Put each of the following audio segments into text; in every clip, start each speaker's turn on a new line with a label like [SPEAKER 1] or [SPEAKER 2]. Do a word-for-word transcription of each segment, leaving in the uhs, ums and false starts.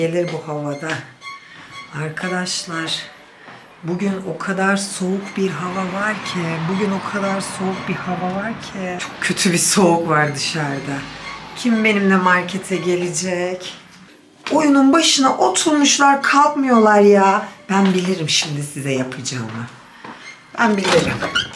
[SPEAKER 1] Gelir bu havada. Arkadaşlar, bugün o kadar soğuk bir hava var ki, bugün o kadar soğuk bir hava var ki, çok kötü bir soğuk var dışarıda. Kim benimle markete gelecek? Oyunun başına oturmuşlar, kalkmıyorlar ya. Ben bilirim şimdi size yapacağımı. Ben bilirim.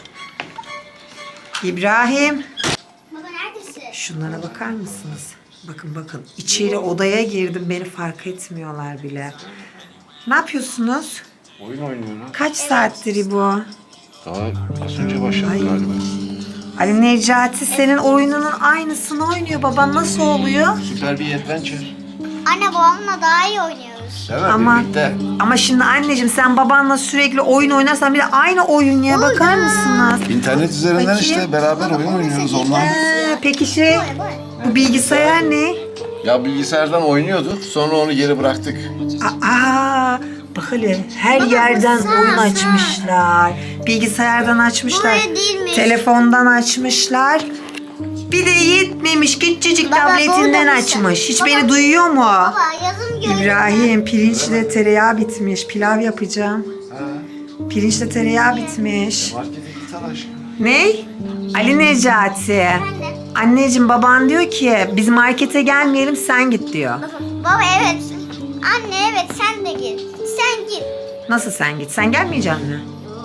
[SPEAKER 1] İbrahim.
[SPEAKER 2] Baba neredesin?
[SPEAKER 1] Şunlara bakar mısınız? Bakın bakın. İçeri odaya girdim. Beni fark etmiyorlar bile. Ne yapıyorsunuz?
[SPEAKER 3] Oyun oynuyorum.
[SPEAKER 1] Kaç saattir bu?
[SPEAKER 3] Daha az önce başladı
[SPEAKER 1] Ay.
[SPEAKER 3] galiba.
[SPEAKER 1] Ali Necati senin oyununun aynısını oynuyor. Baban nasıl oluyor?
[SPEAKER 3] Süper bir adventure.
[SPEAKER 2] Anne babamla daha iyi oynuyoruz.
[SPEAKER 3] Değil mi?
[SPEAKER 1] Ama,
[SPEAKER 3] Birlikte.
[SPEAKER 1] ama şimdi anneciğim sen babanla sürekli oyun oynarsan bir de aynı oyun ya, bakar mısınız?
[SPEAKER 3] İnternet üzerinden
[SPEAKER 1] Bakayım.
[SPEAKER 3] işte beraber oyun oynuyoruz online.
[SPEAKER 1] Ee, peki şey, bu bilgisayar ne?
[SPEAKER 3] Ya bilgisayardan oynuyorduk. Sonra onu geri bıraktık.
[SPEAKER 1] Aa, bak hele her yerden
[SPEAKER 2] sağ,
[SPEAKER 1] oyun
[SPEAKER 2] sağ.
[SPEAKER 1] açmışlar. Bilgisayardan açmışlar.
[SPEAKER 2] Buraya değilmiş.
[SPEAKER 1] Telefondan açmışlar. Bir de yetmemiş, küçücük
[SPEAKER 2] Baba,
[SPEAKER 1] tabletinden
[SPEAKER 2] burada
[SPEAKER 1] açmış.
[SPEAKER 2] mısın?
[SPEAKER 1] Hiç
[SPEAKER 2] Baba.
[SPEAKER 1] beni duyuyor mu?
[SPEAKER 2] Baba yazım gördüm.
[SPEAKER 1] İbrahim, pirinçle tereyağı bitmiş. Pilav yapacağım.
[SPEAKER 3] Ha.
[SPEAKER 1] Pirinçle tereyağı bitmiş.
[SPEAKER 3] Markete git al aşkım.
[SPEAKER 1] Ne? Ali Necati. Anneciğim, baban diyor ki biz markete gelmeyelim, sen git diyor.
[SPEAKER 2] Baba evet. Anne evet sen de git. Sen git.
[SPEAKER 1] Nasıl sen git? Sen gelmeyecek misin?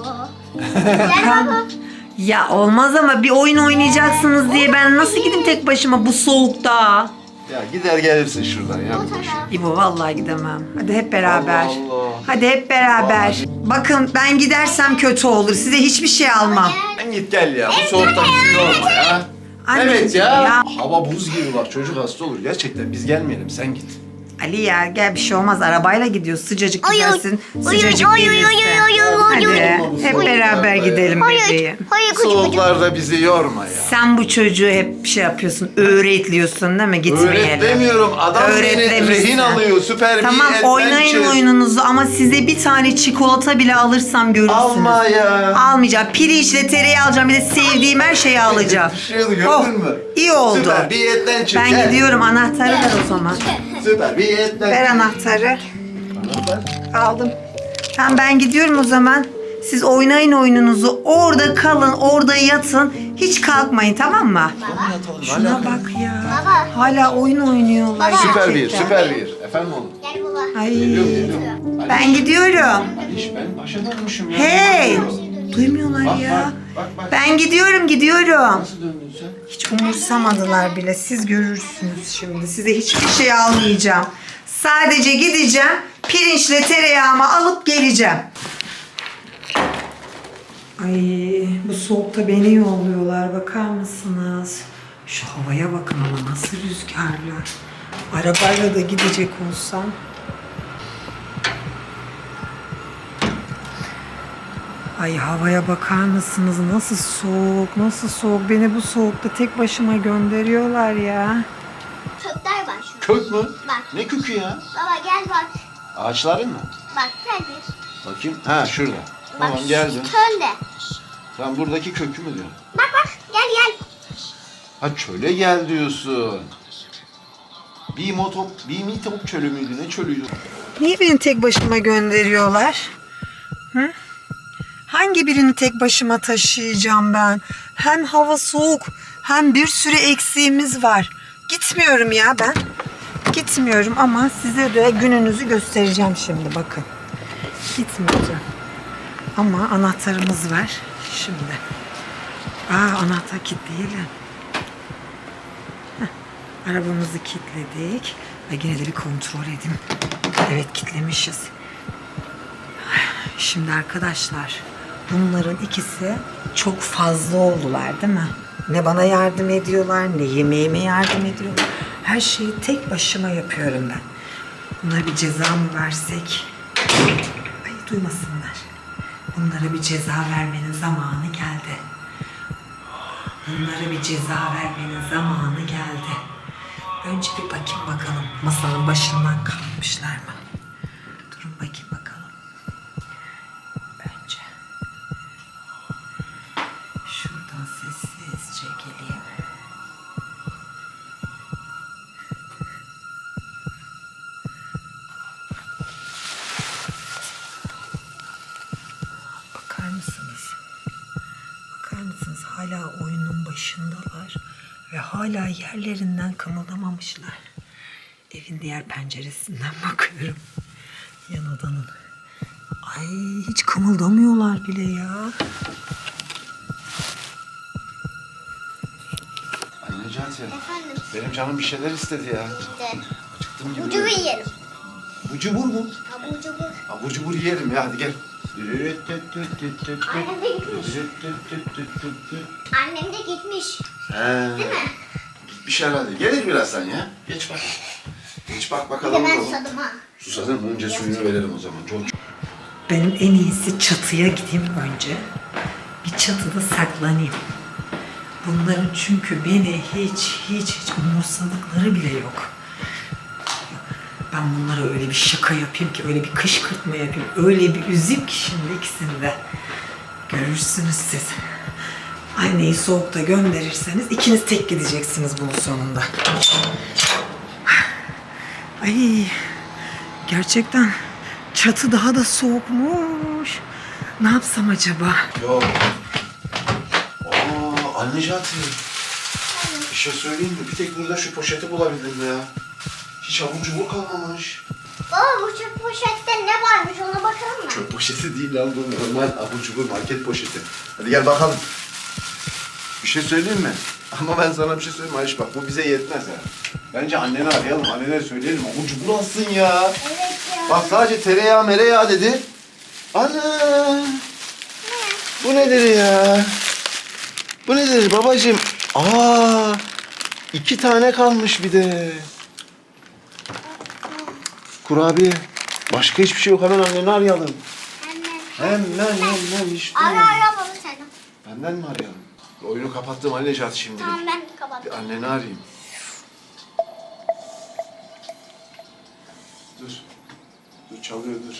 [SPEAKER 2] Gel baba.
[SPEAKER 1] Ya olmaz ama bir oyun oynayacaksınız diye ben nasıl gideyim tek başıma bu soğukta?
[SPEAKER 3] Ya gider gelirsin şuradan ya. bir boş.
[SPEAKER 1] İbo vallahi gidemem. Hadi hep beraber.
[SPEAKER 3] Allah Allah.
[SPEAKER 1] Hadi hep beraber. Bakın ben gidersem kötü olur. Size hiçbir şey almam.
[SPEAKER 3] Sen git gel ya. Bu soğukta bizi yorma ya.
[SPEAKER 1] Anneciğim
[SPEAKER 3] Evet ya.
[SPEAKER 1] ya.
[SPEAKER 3] Hava buz gibi bak, çocuk hasta olur. Gerçekten biz gelmeyelim, sen git.
[SPEAKER 1] Ali ya gel, bir şey olmaz. Arabayla gidiyoruz. Sıcacık
[SPEAKER 2] Oy, oy.
[SPEAKER 1] gidersin.
[SPEAKER 2] Oy,
[SPEAKER 1] Sıcacık
[SPEAKER 2] oy, oy, oy,
[SPEAKER 1] gelirsin.
[SPEAKER 2] oy, oy, oy, oy,
[SPEAKER 1] Hadi
[SPEAKER 3] oy.
[SPEAKER 1] hep
[SPEAKER 3] Oy.
[SPEAKER 1] beraber
[SPEAKER 3] Oy.
[SPEAKER 1] gidelim
[SPEAKER 2] Hayır.
[SPEAKER 1] bebeğim.
[SPEAKER 2] Hayır kucuk kucuk.
[SPEAKER 3] Soğuklarda bizi yorma ya.
[SPEAKER 1] Sen bu çocuğu hep şey yapıyorsun, öğretliyorsun değil mi? Gitmeyelim.
[SPEAKER 3] Öğretemiyorum. Adam beni
[SPEAKER 1] Öğretlemişsin.
[SPEAKER 3] rehin alıyor. Süper
[SPEAKER 1] Tamam,
[SPEAKER 3] bir
[SPEAKER 1] oynayın
[SPEAKER 3] adventure.
[SPEAKER 1] oyununuzu ama size bir tane çikolata bile alırsam görürsünüz.
[SPEAKER 3] Alma ya.
[SPEAKER 1] Almayacağım. Pirinçle tereyağı alacağım. Bir de sevdiğim her şeyi alacağım.
[SPEAKER 3] Düşüyordu, gördün
[SPEAKER 1] Oh,
[SPEAKER 3] mü?
[SPEAKER 1] iyi oldu.
[SPEAKER 3] Süper bir adventure.
[SPEAKER 1] Ben
[SPEAKER 3] Gel.
[SPEAKER 1] gidiyorum. Anahtarı ver o zaman.
[SPEAKER 3] Süper bir adventure.
[SPEAKER 1] Ver anahtarı.
[SPEAKER 3] Anahtar.
[SPEAKER 1] Aldım. Tamam, ben gidiyorum o zaman. Siz oynayın oyununuzu. Orada kalın, orada yatın. Hiç kalkmayın, tamam mı? Şuna bak ya.
[SPEAKER 2] Baba.
[SPEAKER 1] Hala oyun oynuyorlar.
[SPEAKER 2] Baba.
[SPEAKER 3] Süper bir,
[SPEAKER 1] gerçekten.
[SPEAKER 3] süper bir. Efendim oğlum.
[SPEAKER 2] Gel baba.
[SPEAKER 1] Ay,
[SPEAKER 3] Geliyorum, geliyorum.
[SPEAKER 1] ben gidiyorum.
[SPEAKER 3] Aliş, ben başa dönmüşüm ya.
[SPEAKER 1] Hey!
[SPEAKER 3] Bak,
[SPEAKER 1] Duymuyorlar
[SPEAKER 3] bak,
[SPEAKER 1] ya.
[SPEAKER 3] bak, bak.
[SPEAKER 1] Ben gidiyorum, gidiyorum.
[SPEAKER 3] Nasıl döndün sen?
[SPEAKER 1] Hiç umursamadılar bile. Siz görürsünüz şimdi. Size hiçbir şey almayacağım. Sadece gideceğim. Pirinçle tereyağımı alıp geleceğim. Ay, bu soğukta beni yolluyorlar. Bakar mısınız? Şu havaya bakın ama nasıl rüzgarlı. Arabayla da gidecek olsam. Ay, havaya bakar mısınız? Nasıl soğuk, nasıl soğuk. Beni bu soğukta tek başıma gönderiyorlar ya.
[SPEAKER 2] Kökler var şu.
[SPEAKER 3] Kök mü?
[SPEAKER 2] Bak.
[SPEAKER 3] Ne kökü ya?
[SPEAKER 2] Baba gel bak.
[SPEAKER 3] Ağaçların mı?
[SPEAKER 2] Bak gel bir.
[SPEAKER 3] Bakayım. Ha şurada. Tamam
[SPEAKER 2] Bak,
[SPEAKER 3] geldim.
[SPEAKER 2] Çölde.
[SPEAKER 3] Sen buradaki kökü mü diyorsun?
[SPEAKER 2] Bak bak gel gel.
[SPEAKER 3] Ha çöle gel diyorsun. Bir motop, bir mitop çölü müydü? Ne çölüydü?
[SPEAKER 1] Niye beni tek başıma gönderiyorlar? Hı? Hangi birini tek başıma taşıyacağım ben? Hem hava soğuk, hem bir sürü eksiğimiz var. Gitmiyorum ya ben. Gitmiyorum ama size de gününüzü göstereceğim şimdi, bakın. Gitmeyeceğim. Ama anahtarımız var şimdi. Aa, anahtar kilitleyelim. Heh, arabamızı kilitledik. Ve yine de bir kontrol edeyim. Evet, kilitlemişiz. Şimdi arkadaşlar, bunların ikisi çok fazla oldular değil mi? Ne bana yardım ediyorlar, ne yemeğime yardım ediyorlar. Her şeyi tek başıma yapıyorum ben. Bunlara bir ceza mı versek? Ay, duymasınlar. Bunlara bir ceza vermenin zamanı geldi. Bunlara bir ceza vermenin zamanı geldi. Önce bir bakayım bakalım masanın başından kalkmışlar mı? Durun bakayım bakalım. Önce şuradan sessizce geleyim. hala oyunun başındalar ve hala yerlerinden kımıldamamışlar. Evin diğer penceresinden bakıyorum. Yan odanın. Ay hiç kımıldamıyorlar bile ya.
[SPEAKER 3] Anne Necati,
[SPEAKER 2] Efendim.
[SPEAKER 3] benim canım bir şeyler istedi ya.
[SPEAKER 2] İşte.
[SPEAKER 3] Acıktım gibi.
[SPEAKER 2] Abur cubur yiyelim.
[SPEAKER 3] Abur cubur mu?
[SPEAKER 2] Abur cubur.
[SPEAKER 3] Abur cubur yiyelim ya, hadi gel.
[SPEAKER 2] Annem de gitmiş. Annem de gitmiş.
[SPEAKER 3] He.
[SPEAKER 2] Değil mi?
[SPEAKER 3] Gitmiş herhalde. Gelir birazdan ya. Geç bak. Geç bak
[SPEAKER 2] Bir
[SPEAKER 3] bakalım.
[SPEAKER 2] de ben
[SPEAKER 3] bakalım.
[SPEAKER 2] susadım ha.
[SPEAKER 3] Susadın mı? Önce suyunu verelim o zaman. Çok
[SPEAKER 1] Benim en iyisi çatıya gideyim önce. Bir çatıda saklanayım. Bunların çünkü beni hiç hiç hiç umursadıkları bile yok. Ben bunlara öyle bir şaka yapayım ki, öyle bir kışkırtma yapayım, öyle bir üzeyim ki şimdi ikisini de. Görürsünüz siz. Anneyi soğukta gönderirseniz ikiniz tek gideceksiniz bunun sonunda. Ay, gerçekten çatı daha da soğukmuş. Ne yapsam acaba?
[SPEAKER 3] Yok. Aa, anne Necati. Bir şey söyleyeyim mi? Bir tek burada şu poşeti bulabildim ya. Hiç abur cubur kalmamış.
[SPEAKER 2] Baba bu çöp poşette ne varmış ona bakalım mı?
[SPEAKER 3] Çöp poşeti değil lan bu, normal abur cubur market poşeti. Hadi gel bakalım. Bir şey söyleyeyim mi? Ama ben sana bir şey söyleyeyim mi Ayşe, bak bu bize yetmez ha. Bence anneni arayalım, annene söyleyelim abur cubur alsın ya.
[SPEAKER 2] Evet ya.
[SPEAKER 3] Bak sadece tereyağı mereyağı dedi. Ana! Bu nedir ya? Bu nedir babacığım? Aa! İki tane kalmış bir de. Kurabiye. Başka hiçbir şey yok. Hemen anneni arayalım.
[SPEAKER 2] Anne.
[SPEAKER 3] Hemen hemen işte.
[SPEAKER 2] Ara ara baba sen.
[SPEAKER 3] Benden mi arayalım? Oyunu kapattım Ali Necati şimdilik.
[SPEAKER 2] Tamam ben
[SPEAKER 3] Bir
[SPEAKER 2] kapattım.
[SPEAKER 3] anneni arayayım. Dur. Dur çalıyor dur.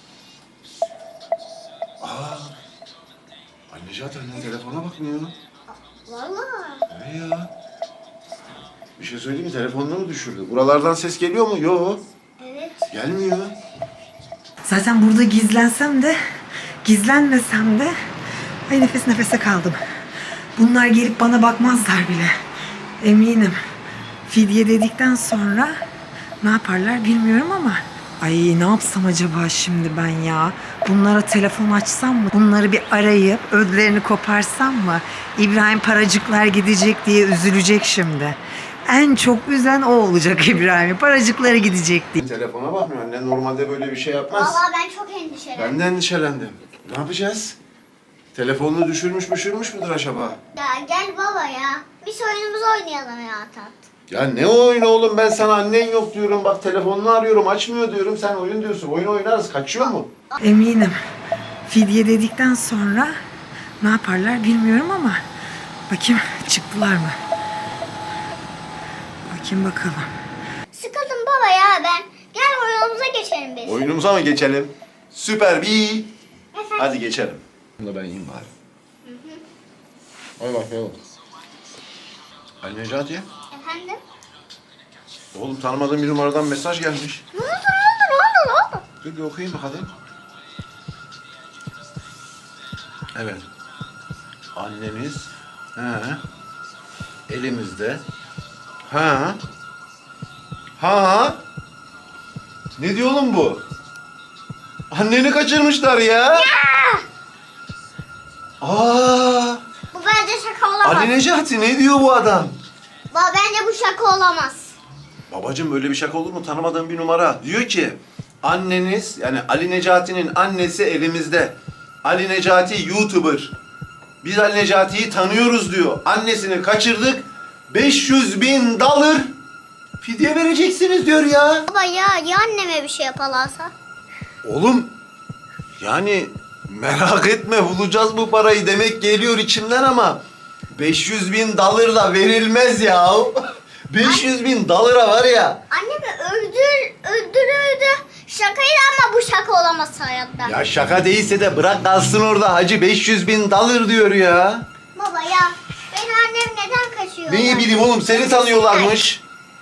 [SPEAKER 3] Aa. Ali Necati annen telefona bakmıyor.
[SPEAKER 2] Vallahi.
[SPEAKER 3] Ne ya? Bir şey söyleyeyim mi? Telefonunu mu düşürdü? Buralardan ses geliyor mu? Yok.
[SPEAKER 2] Evet.
[SPEAKER 3] Gelmiyor.
[SPEAKER 1] Zaten burada gizlensem de, gizlenmesem de, ay nefes nefese kaldım. Bunlar gelip bana bakmazlar bile. Eminim. Fidye dedikten sonra ne yaparlar bilmiyorum ama. Ay ne yapsam acaba şimdi ben ya? Bunlara telefon açsam mı? Bunları bir arayıp ödlerini koparsam mı? İbrahim paracıklar gidecek diye üzülecek şimdi. En çok üzen o olacak İbrahim. Paracıkları gidecek diye.
[SPEAKER 3] Telefona bakmıyor. Annen normalde böyle bir şey yapmaz.
[SPEAKER 2] Vallahi ben çok endişelendim.
[SPEAKER 3] Ben de endişelendim. Ne yapacağız? Telefonunu düşürmüş düşürmüş müdür acaba?
[SPEAKER 2] Ya gel baba ya. Biz oyunumuzu oynayalım ya tat.
[SPEAKER 3] Ya ne oyunu oğlum, ben sana annen yok diyorum, bak telefonunu arıyorum açmıyor diyorum, sen oyun diyorsun. Oyun oynarız, kaçıyor mu?
[SPEAKER 1] Eminim. Fidye dedikten sonra ne yaparlar bilmiyorum ama bakayım çıktılar mı? Bakayım bakalım.
[SPEAKER 2] Sıkıldım baba ya ben. Gel oyunumuza geçelim biz.
[SPEAKER 3] Oyunumuza mı geçelim? Süper bir.
[SPEAKER 2] Efendim?
[SPEAKER 3] Hadi geçelim. Bunu da ben yiyeyim bari. Hadi bakayım. Ali Necati.
[SPEAKER 2] Efendim?
[SPEAKER 3] Oğlum tanımadığım bir numaradan mesaj gelmiş.
[SPEAKER 2] Ne oldu ne oldu ne oldu ne oldu?
[SPEAKER 3] Dur bir okuyayım bakalım. Evet. Anneniz he, elimizde. Ha. Ha. Ne diyor oğlum bu? Anneni kaçırmışlar ya. Aa!
[SPEAKER 2] Bu bence şaka olamaz.
[SPEAKER 3] Ali Necati ne diyor bu adam?
[SPEAKER 2] Baba bence bu şaka olamaz.
[SPEAKER 3] Babacığım böyle bir şaka olur mu? Tanımadığım bir numara. Diyor ki anneniz, yani Ali Necati'nin annesi elimizde. Ali Necati YouTuber. Biz Ali Necati'yi tanıyoruz diyor. Annesini kaçırdık. beş yüz bin dolar fidye vereceksiniz diyor ya.
[SPEAKER 2] Baba ya ya anneme bir şey yaparlarsa?
[SPEAKER 3] Oğlum yani merak etme, bulacağız bu parayı demek geliyor içimden ama beş yüz bin dolar da verilmez ya. beş yüz bin dolara var ya.
[SPEAKER 2] Annemi öldür, öldürürdü. Şakaydı ama bu şaka olamaz hayatta.
[SPEAKER 3] Ya şaka değilse de bırak kalsın orada hacı, beş yüz bin dolar diyor ya.
[SPEAKER 2] Baba ya benim annem neden kaçıyor?
[SPEAKER 3] Neyi bileyim oğlum, seni tanıyorlarmış.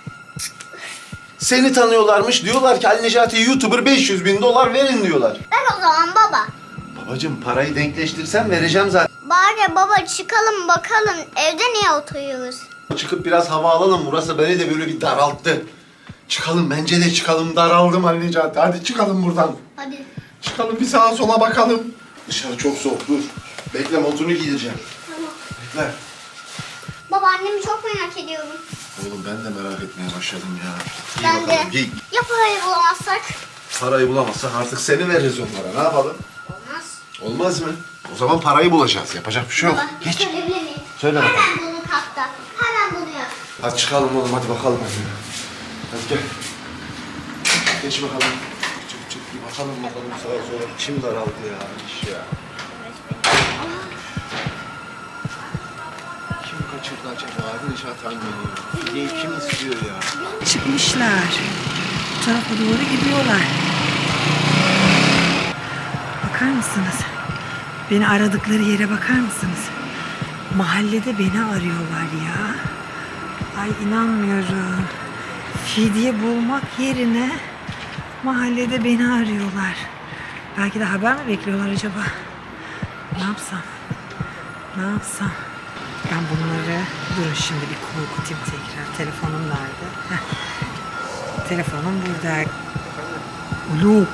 [SPEAKER 3] Seni tanıyorlarmış, diyorlar ki Ali Necati YouTuber, beş yüz bin dolar verin diyorlar.
[SPEAKER 2] Ben o zaman baba.
[SPEAKER 3] Babacığım parayı denkleştirsem vereceğim zaten.
[SPEAKER 2] Bari baba çıkalım bakalım evde niye oturuyoruz?
[SPEAKER 3] Çıkıp biraz hava alalım. Burası beni de böyle bir daralttı. Çıkalım, bence de çıkalım. Daraldım Ali Necati. Hadi çıkalım buradan.
[SPEAKER 2] Hadi.
[SPEAKER 3] Çıkalım, bir sağa sola bakalım. Dışarı çok soğuk, dur. Bekle, montunu giydireceğim.
[SPEAKER 2] Tamam.
[SPEAKER 3] Bekle.
[SPEAKER 2] Baba annemi çok merak ediyorum.
[SPEAKER 3] Oğlum ben de merak etmeye başladım ya. Giy
[SPEAKER 2] Ben de.
[SPEAKER 3] bakalım, giy.
[SPEAKER 2] Ya parayı bulamazsak?
[SPEAKER 3] Parayı bulamazsak artık seni veririz onlara. Ne yapalım?
[SPEAKER 2] Olmaz.
[SPEAKER 3] Olmaz mı? O zaman parayı bulacağız. Yapacak bir şey yok.
[SPEAKER 2] Baba
[SPEAKER 3] Geç.
[SPEAKER 2] söyleyebilir miyim?
[SPEAKER 3] Söyle bakalım.
[SPEAKER 2] Hemen bunu kapta. Hemen bunu yap.
[SPEAKER 3] Hadi çıkalım oğlum, hadi bakalım. Hadi gel. Geç bakalım. Çık çık bir bakalım bakalım sağa sola. İçim daraldı ya. İş ya. Kim kaçırdı acaba? Necati anneni. Fideyi kim istiyor ya?
[SPEAKER 1] Çıkmışlar. Bu tarafa doğru gidiyorlar. Bakar mısınız? Beni aradıkları yere bakar mısınız? Mahallede beni arıyorlar ya. Ay inanmıyorum. Fidye bulmak yerine mahallede beni arıyorlar. Belki de haber mi bekliyorlar acaba? Ne yapsam? Ne yapsam? Ben bunları... Durun şimdi bir korkutayım tekrar. Telefonum nerede? Heh. Telefonum burada. Alo.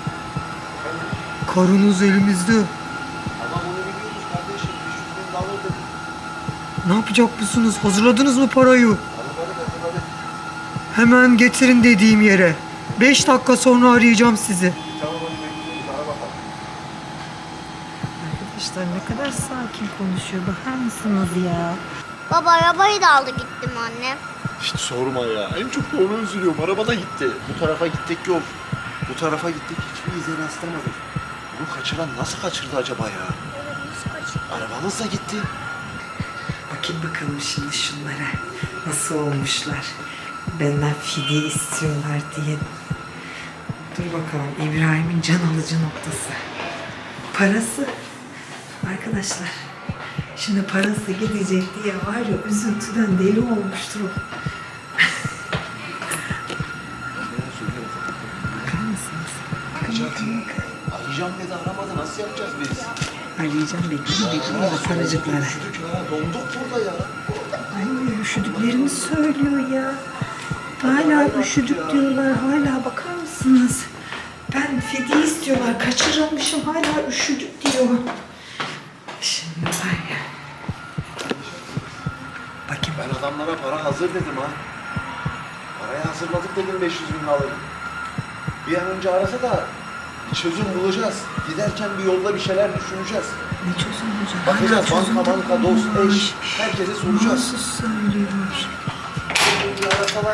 [SPEAKER 1] Karınız elimizde.
[SPEAKER 3] Ama bunu biliyoruz kardeşim. beş yüz bin dolar dedik.
[SPEAKER 1] Ne yapacak mısınız? Hazırladınız mı parayı?
[SPEAKER 3] Hadi hadi hadi.
[SPEAKER 1] Hemen getirin dediğim yere. Beş dakika sonra arayacağım sizi.
[SPEAKER 3] Tamam hadi bekliyoruz. Ara bakalım.
[SPEAKER 1] Arkadaşlar ne kadar sakin konuşuyor. Bakar mısınız ya?
[SPEAKER 2] Baba arabayı da aldı gittim annem.
[SPEAKER 3] Hiç sorma ya. En çok da onu üzülüyorum. Araba da gitti. Bu tarafa gittik yok. Bu tarafa gittik hiçbir ize rastlamadık. Bunu kaçıran nasıl kaçırdı acaba ya?
[SPEAKER 2] Nasıl kaçıyor?
[SPEAKER 3] Arabamız da gitti.
[SPEAKER 1] Bakayım bakalım şimdi şunlara. Nasıl olmuşlar? Benden fidye istiyorlar diye. Dur bakalım İbrahim'in can alıcı noktası. Parası. Arkadaşlar. Şimdi parası gidecek diye var ya üzüntüden deli olmuştur o. Bakar mısınız? Bakın bakın bakın.
[SPEAKER 3] Arayacağım dedi aramadı. Nasıl yapacağız biz?
[SPEAKER 1] Arayacağım bekleyin bekleyin o paracıklara.
[SPEAKER 3] Üşüdük ya. Donduk burada ya.
[SPEAKER 1] Ay üşüdüklerini söylüyor ya. Hala üşüdük diyorlar. Hala bakar mısınız? Ben fidye istiyorlar. Kaçırılmışım. Hala üşüdük diyor. Şimdi var ya. Bakayım.
[SPEAKER 3] Ben adamlara para hazır dedim ha. Parayı hazırladık dedim beş yüz bin doları. Bir an önce arasa da bir çözüm bulacağız. Giderken bir yolda bir şeyler düşüneceğiz.
[SPEAKER 1] Ne çözüm olacak?
[SPEAKER 3] Bakacağız
[SPEAKER 1] Hala çözüm
[SPEAKER 3] banka banka dost
[SPEAKER 1] bulamamış.
[SPEAKER 3] eş herkese soracağız.
[SPEAKER 1] Nasıl söylüyor?
[SPEAKER 3] Bir arasalar.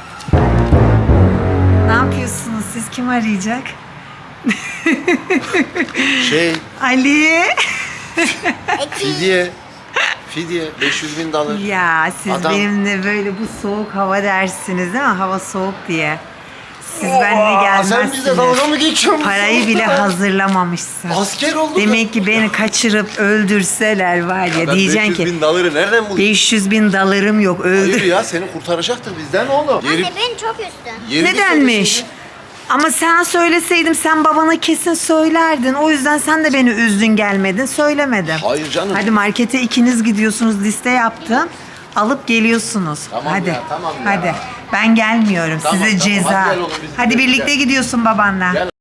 [SPEAKER 1] Ne yapıyorsunuz? Siz kim arayacak?
[SPEAKER 3] Şey
[SPEAKER 1] Ali.
[SPEAKER 3] fidye. Fidye beş yüz bin dolar.
[SPEAKER 1] Ya siz
[SPEAKER 3] Adam-
[SPEAKER 1] benimle böyle bu soğuk hava dersiniz değil mi? Hava soğuk diye. Siz benimle gelmezsiniz.
[SPEAKER 3] Sen bize dalga mı geçiyorsun?
[SPEAKER 1] Parayı bile hazırlamamışsın.
[SPEAKER 3] Asker olduk.
[SPEAKER 1] Demek ki beni kaçırıp öldürseler var ya, diyeceksin
[SPEAKER 3] beş yüz
[SPEAKER 1] ki
[SPEAKER 3] bin doları nereden buldun?
[SPEAKER 1] beş yüz bin dolarım yok
[SPEAKER 3] Hayır
[SPEAKER 1] öldür.
[SPEAKER 3] ya seni kurtaracaktır bizden oğlum. Yeri,
[SPEAKER 2] Anne beni çok üstün.
[SPEAKER 3] yeri bir
[SPEAKER 1] Nedenmiş?
[SPEAKER 3] söyleseydin.
[SPEAKER 1] Ama sen söyleseydim sen babana kesin söylerdin. O yüzden sen de beni üzdün gelmedin. Söylemedim.
[SPEAKER 3] Hayır canım.
[SPEAKER 1] Hadi markete ikiniz gidiyorsunuz, liste yaptım. Alıp geliyorsunuz.
[SPEAKER 3] Tamam
[SPEAKER 1] hadi.
[SPEAKER 3] ya, tamam ya.
[SPEAKER 1] Hadi. Ben gelmiyorum.
[SPEAKER 3] Tamam,
[SPEAKER 1] Size
[SPEAKER 3] tamam.
[SPEAKER 1] ceza.
[SPEAKER 3] Hadi
[SPEAKER 1] Hadi,
[SPEAKER 3] gel oğlum, biz gidelim,
[SPEAKER 1] birlikte
[SPEAKER 3] gel.
[SPEAKER 1] gidiyorsun babanla.
[SPEAKER 3] Gel.